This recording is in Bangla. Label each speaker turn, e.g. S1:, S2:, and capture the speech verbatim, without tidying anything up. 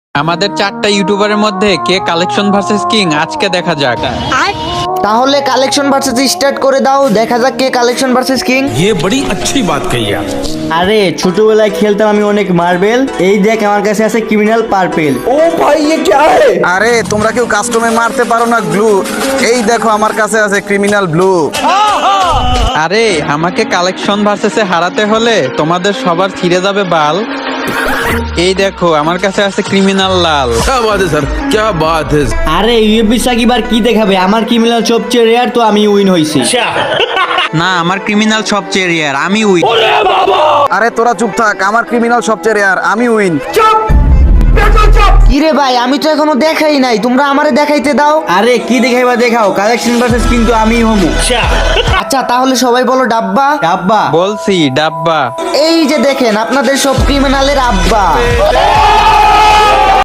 S1: আমাদের চারটা ইউটিউবারের মধ্যে কে কালেকশন ভার্সেস কিং আজকে দেখা যাক।
S2: তাহলে কালেকশন ভার্সেস স্টার্ট করে দাও, দেখা যাক কে কালেকশন ভার্সেস কিং।
S3: ये बड़ी अच्छी बात कही आप।
S4: আরে ছোটবেলায় খেলতাম আমি অনেক মার্বেল, এই দেখ আমার কাছে আছে ক্রিমিনাল পার্পেল।
S5: আরে তোমরা কেউ কাস্টমে মারতে পারো না গ্লু, এই দেখো আমার কাছে আছে ক্রিমিনাল ব্লু।
S1: আরে আমাকে কালেকশন ভার্সেসে হারাতে হলে তোমাদের সবার ছিঁড়ে যাবে বাল। এই দেখো আমার কাছে আছে ক্রিমিনাল লাল।
S3: क्या बात है सर, क्या बात है।
S4: আরে ইউএফবি সাকিব আর কি দেখাবে, আমার ক্রিমিনাল সবচেয়ে রেয়ার, তো আমি উইন হইছি।
S1: না, আমার ক্রিমিনাল সবচেয়ে রেয়ার, আমি উইন।
S5: আরে তোরা চুপ থাক, আমার ক্রিমিনাল সবচেয়ে রেয়ার, আমি উইন।
S2: কিরে ভাই, আমি তো এখনো দেখাই নাই, তোমরা আমারে দেখাইতে দাও।
S4: আরে কি দেখাইবা দেখাও, কালেকশন ভার্সেস কিন্তু আমি হমু।
S2: আচ্ছা তাহলে সবাই বলো ডাব্বা।
S4: ডাব্বা
S1: বলছি ডাব্বা।
S2: এই যে দেখেন আপনাদের সব ক্রিমিনালের আব্বা।